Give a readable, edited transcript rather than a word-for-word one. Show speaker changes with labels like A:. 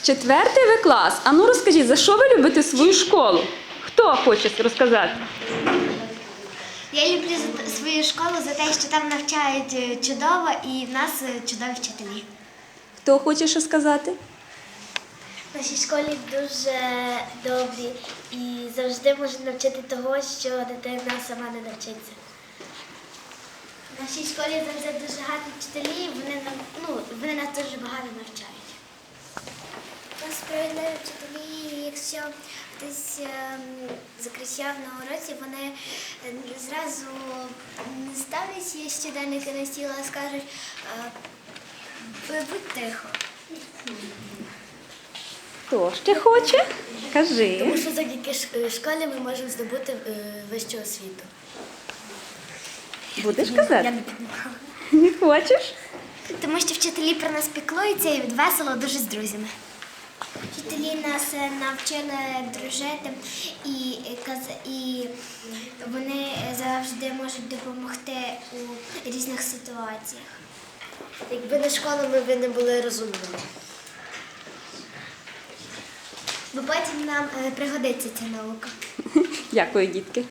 A: 4 В клас. А ну розкажіть, за що ви любите свою школу? Хто хоче розказати?
B: Я люблю свою школу за те, що там навчають чудово і в нас чудові вчителі.
A: Хто хоче що сказати?
B: В нашій школі дуже добрі і завжди можуть навчити того, що дитина сама не навчиться. В нашій школі завжди дуже гарні вчителі, вони нас дуже багато навчають. У нас справедливі вчителі, якщо хтось закричав на уроці, вони зразу не ставлять щоденники на стіл, а скажуть «будь тихо».
A: Хто ще хоче? Кажи.
B: Тому що завдяки школі ми можемо здобути вищу освіту.
A: Будеш казати?
B: Я не піднімала.
A: Не хочеш?
B: Тому що вчителі про нас піклуються і весело дуже з друзями. Вчителі нас навчили дружити і вони завжди можуть допомогти у різних ситуаціях. Якби не школа, ми б не були розумними. Бо потім нам пригодиться ця наука.
A: Дякую, дітки.